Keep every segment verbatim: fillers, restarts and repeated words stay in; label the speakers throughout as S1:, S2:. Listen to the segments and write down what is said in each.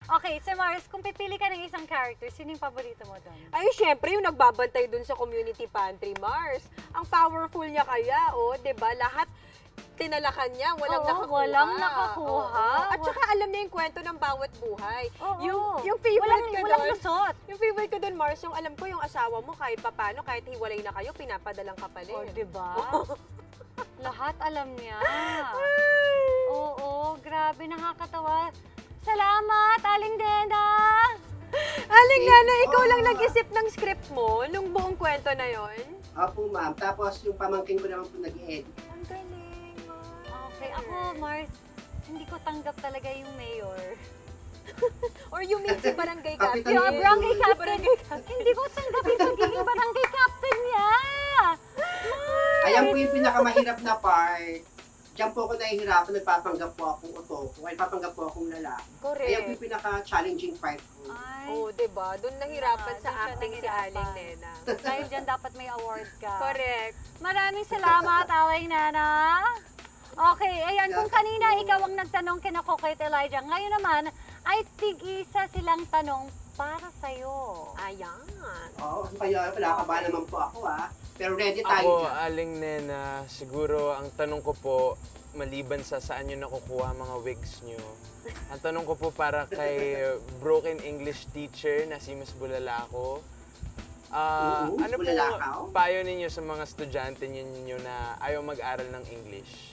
S1: Okay, so Mars, kung pipili ka ng isang character, sino yung paborito mo doon?
S2: Ay, syempre, yung nagbabantay dun sa community pantry, Mars. Ang powerful niya kaya, oh, 'di ba? Lahat tinalakan niya, walang
S1: Oo,
S2: nakakuha.
S1: walang nakakuha.
S2: Oo. At saka alam niya yung kwento ng bawat buhay.
S1: Oo.
S2: Yung, yung favorite
S1: walang,
S2: ko
S1: walang
S2: doon,
S1: lusot.
S2: yung favorite ko doon, Mars, yung alam ko yung asawa mo, kahit papano, kahit hiwalay na kayo, pinapadalang kapalit.
S1: O, diba? Lahat alam niya. Oo, grabe, nakakatawa. Salamat, Aling Dena!
S2: Aling Nana, ikaw lang nag-isip ng script mo nung buong kwento na yon.
S3: Opo, ma'am. Tapos yung pamangkin ko naman po nag-edit.
S2: Ang galing, Mars.
S1: Okay, ako, Mars, hindi ko tanggap talaga yung mayor.
S2: Or you mean si barangay
S3: Kapitan
S2: captain.
S1: Yung
S3: Mayor.
S1: barangay captain,
S2: Barangay captain.
S1: hindi ko tanggap yung pagiging barangay captain niya.
S3: Ayan po yung pinakamahirap na part. Diyan po ako nahihirapan, nagpapanggap po akong otoko, ay papanggap po akong lalaki. Ayan po
S2: Correct.
S3: yung pinaka-challenging part ko.
S1: Ay,
S2: Oo, oh, diba? Doon nahirapan
S1: Ah,
S2: sa
S1: doon siya
S2: acting si
S1: nahirapan.
S2: Aling Nena.
S1: dahil dyan dapat may award ka.
S2: Correct.
S1: Maraming salamat, Aling Nana. Okay, ayan, kung kanina ikaw ang nagtanong kina Coco at Elijah, ngayon naman ay tig-isa silang tanong para sa'yo.
S2: Ayan.
S3: Oo, kaya kinakabahan naman po ako ah. Pero ready tayo
S4: Ako,
S3: dyan.
S4: Aling Nena, siguro ang tanong ko po, maliban sa saan nyo nakukuha mga wigs nyo, ang tanong ko po para kay broken English teacher na si Miss Bulalako. Ah,
S3: Oo, Miss
S4: ano po
S3: Bulalakaw?
S4: payo ninyo sa mga estudyante ninyo na ayaw mag-aral ng English?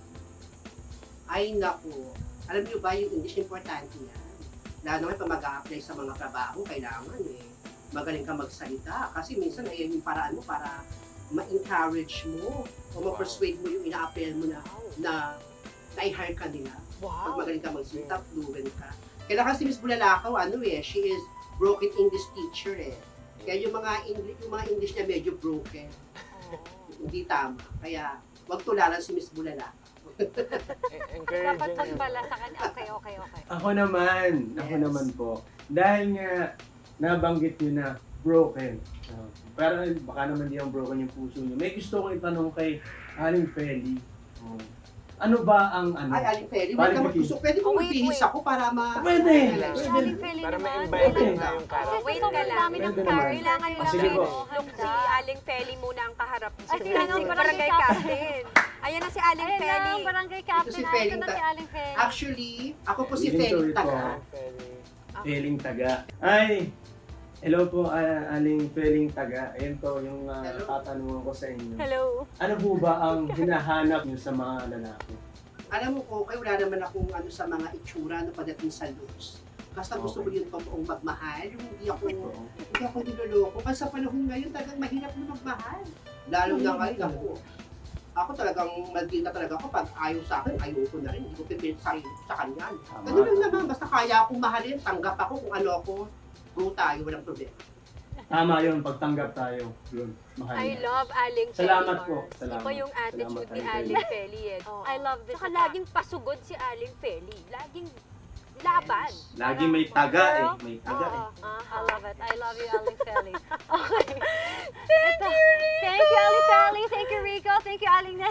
S3: Ay naku, alam niyo ba yung English importante yan? Lalo naman pag mag-a-apply sa mga trabaho, kailangan eh, magaling ka magsalita. Kasi minsan ay yung paraan mo para ma-encourage mo o ma-persuade mo yung ina-apply mo na na na-hire ka nila. Pag
S2: Wow.
S3: magaling ka magsalita, fluent ka. Kailangan si Miss Bulalakaw, ano eh, she is broken English teacher eh. Kaya yung mga English, yung mga English niya medyo broken. Hindi tama. Kaya wag tularan si Miss Bulalakaw.
S4: E-
S1: Dapat
S4: encouraging nyo.
S1: pagpala sa kanya. Okay, okay, okay.
S5: Ako naman, ako
S3: Yes.
S5: naman po. Dahil nga, nabanggit nyo na broken. Uh, pero baka naman di ang broken yung puso nyo. May gusto kong itanong kay Aling Feli. Oh. Ano ba ang ano?
S3: Ay, Aling Feli, wag ka magtusok. Pwede ko
S1: Oh, wait,
S3: magbihis
S1: wait.
S3: ako para ma...
S5: Pwede.
S3: Relax.
S1: Si
S5: Pwede.
S1: Aling Feli
S4: Para
S1: naman.
S4: ma-invite
S5: Pwede.
S4: na yung
S1: Kasi
S4: character.
S2: Wait
S1: sa
S2: ka
S1: sobrang
S2: lang.
S1: dami ng
S5: Pwede naman.
S1: character.
S2: Kailangan
S5: Ah,
S2: lang
S5: sige po.
S2: nung si Aling Feli muna ang kaharap niya.
S1: Ay, sino ang
S2: si
S1: barangay
S2: barangay
S1: captain?
S2: captain. Ayan na si Aling
S1: Ayun na,
S2: Feli.
S1: ang barangay captain.
S3: Ito si
S1: Ito
S3: Feling
S1: na
S3: Ta-
S1: si Aling Feli.
S3: Actually, ako po si
S5: Willing to
S3: Feli
S5: it
S3: Taga.
S5: po.
S4: Pwede.
S5: Feeling Taga. Ay, hello po, ah, Aling Feeling Taga. Ayan po yung uh,
S3: Hello.
S5: tatanungan ko sa inyo.
S1: Hello.
S5: Ano po ba ang hinahanap nyo sa mga lalaki?
S3: Alam mo ko, kaya wala naman akong ano sa mga itsura no pagdating sa looks. Basta gusto ko
S5: Okay.
S3: yung totoong magmahal, yung hindi ako,
S5: Oo.
S3: hindi ako niloloko. Kasi sa panahon ngayon, talagang mahirap na magmahal. Lalo na ngayon, ako, ako talagang magkita talaga ako pag ayaw sa akin, ayoko na rin. Hindi ko pipilit sa, sa kanya.
S5: Tama.
S3: Ganun lang naman, basta kaya akong mahalin, tanggap ako kung ano ako, go tayo, walang problema.
S5: Tama yun, pagtanggap tayo. Yun, mahal.
S2: I love Aling Feli.
S5: Salamat
S2: Mars.
S5: po. Salamat.
S2: Iba yung attitude
S5: Salamat,
S2: ni
S5: Aling
S2: Aling Feli eh.
S1: Oh, I love this.
S2: Saka laging pasugod si Aling Feli. Laging laban.
S5: Lagi may taga eh. May taga eh.
S1: Oo.
S2: Aha.
S1: I love it. I love you, Aling Feli. Okay. Thank you, Ito. Thank you, Aling Feli. Thank you, Rico. Thank you, Aling Nena.